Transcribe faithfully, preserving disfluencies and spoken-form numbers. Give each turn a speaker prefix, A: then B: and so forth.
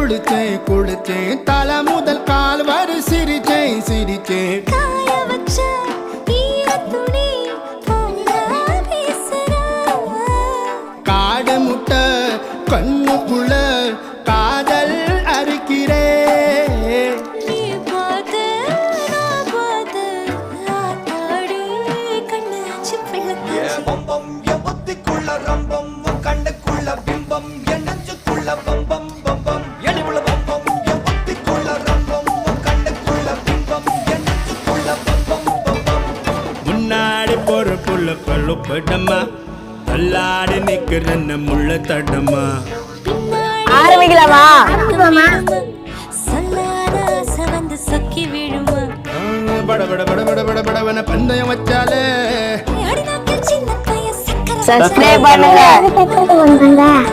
A: குளிச்சேன் குளிச்சேன் தலை முதல் கால் வரை சிரிச்சேன் சிரிச்சேன்
B: காய வச்ச ஈரத்துணி போல வீசுறா.
A: காடு முட்டை கண்ணுக்குள்ள காதல் அறுக்கிறே
B: நீ பார்த்து நான் பார்த்து ஆத்தாடி கண்ணாச்சு பிள்ளக்காச்சு.
C: பம்பம் என் புத்திக்குள்ள ரம்பம் உன் கண்ணுக்குள்ள பிம்பம் என் நெஞ்சுக்குள்ள பம்பம் பம்பம் எளிவுள்ள பம்பம் என் புத்திக்குள்ள ரம்பம் உன் கண்ணுக்குள்ள பிம்பம் என் நெஞ்சுக்குள்ள பம்பம் பம்பம்.
A: முன்னாடி போற புள்ள பல்லு படமா தள்ளாடி நிக்கிற முள்ள தடமா
D: ஆரம்பிக்கலாமா?
B: சொல்லாத சவந்து சொக்கி விழுமா.
A: பட பட பட பட பட படவன பந்தயம் வச்சாலே
B: அடி நாக்கில் சின்ன பையன் சக்கரை
D: சப்ஸ்கிரைப் பண்ணுங்க.